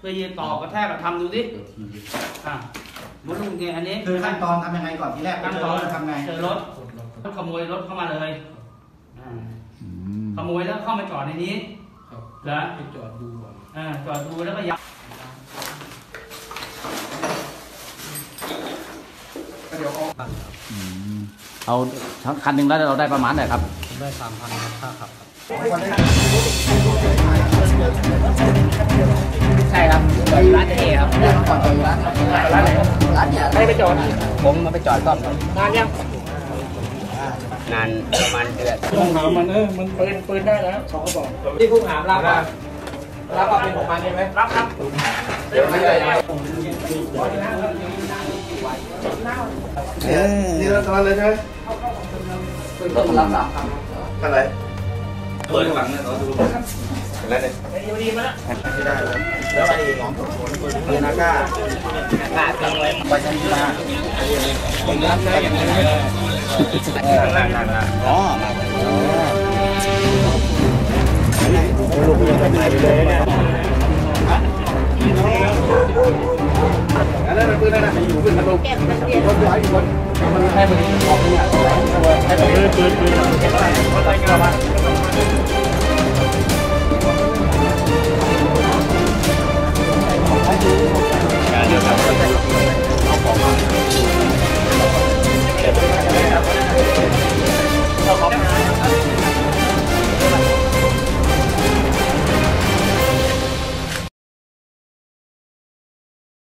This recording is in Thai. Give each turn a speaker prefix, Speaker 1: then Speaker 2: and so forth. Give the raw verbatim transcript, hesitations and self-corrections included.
Speaker 1: พื่อจะต่อกระแทกกับทำดูดิอ่ะมุดลุงเกอันนี้
Speaker 2: คือขั้นตอนทำยังไงก่อนทีแรกขั้นตอนทำไง
Speaker 1: เจอรถขโมยรถเข้ามาเลยขโมยแล้วเข้ามาจอดในนี้แล้วไปจอดดูอ่าจอดดูแล้วก็ยัด
Speaker 3: เดี๋ยวเอาทั้งคันหนึ่งแล้วเราได้ประมาณไหนครับ
Speaker 4: ได้สามพันค่าขับ
Speaker 3: ใช่ครับจอดร้านเอครับก่อนจอดร้านร้านไหนร้านเนี่ยไม่ไปจอดผมมาไปจอดก่อนนานยังนานประมาณเดือน
Speaker 4: ผู้หามันเออมันปืนปืนได้แล้วสองกระบอกที่ผู้หามรับรับรับเป็นของมันใช่ไหมรับครับเดี๋ยวไม่ได้
Speaker 2: นี่เราทำอะไรใช่ไหม
Speaker 3: รถรับสาม
Speaker 2: อะไร
Speaker 5: เปิดหลังเนี่ยเราดูอะไรเนี่ย
Speaker 1: ดีดีมา
Speaker 2: ไม่ได้แล้วไอ้หลอมตัวโผล่เปิดนาก้า
Speaker 3: นาก้าเต็มเลย
Speaker 2: ไปชั้นที่มาผมรับได้ยังไง
Speaker 3: อ๋อ
Speaker 2: ลูกยังไม่เป็นไรเลยเนี่ยนั่นเป็นปืนนั่นนะอยู่ปืนกระตุกคนร้ายอยู่คนมันให้มันออกเนี่ยให้ปืนปืนปืนเก็บอะไรคนร้ายกันมา
Speaker 5: เดี๋ยวครับ